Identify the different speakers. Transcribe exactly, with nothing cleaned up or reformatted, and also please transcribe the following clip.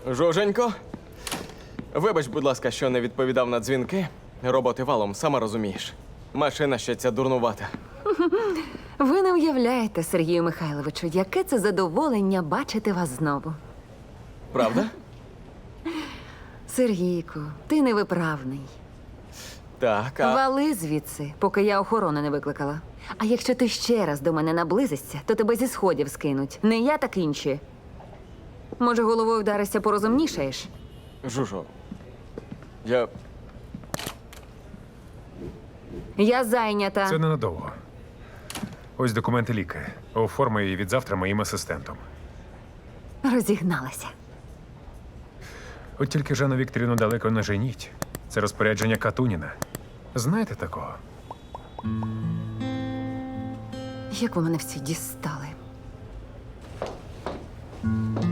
Speaker 1: Жуженько, вибач, будь ласка, що не відповідав на дзвінки. Роботи валом, сама розумієш. Машина ще ця дурнувата.
Speaker 2: Ви не уявляєте, Сергію Михайловичу, яке це задоволення бачити вас знову.
Speaker 1: Правда?
Speaker 2: Сергійку, ти невиправний.
Speaker 1: Так, а...
Speaker 2: Вали звідси, поки я охорону не викликала. А якщо ти ще раз до мене наблизишся, то тебе зі сходів скинуть. Не я, так інші. Може, головою вдаришся порозумнішаєш?
Speaker 1: Жужо, я...
Speaker 2: Я зайнята.
Speaker 3: Це ненадовго. Ось документи ліки. Оформи її від завтра моїм асистентом.
Speaker 2: Розігналася.
Speaker 3: От тільки Жанну Вікторівну далеко не женіть. Це розпорядження Катуніна. Знаєте такого?
Speaker 2: Як ви мене всі дістали.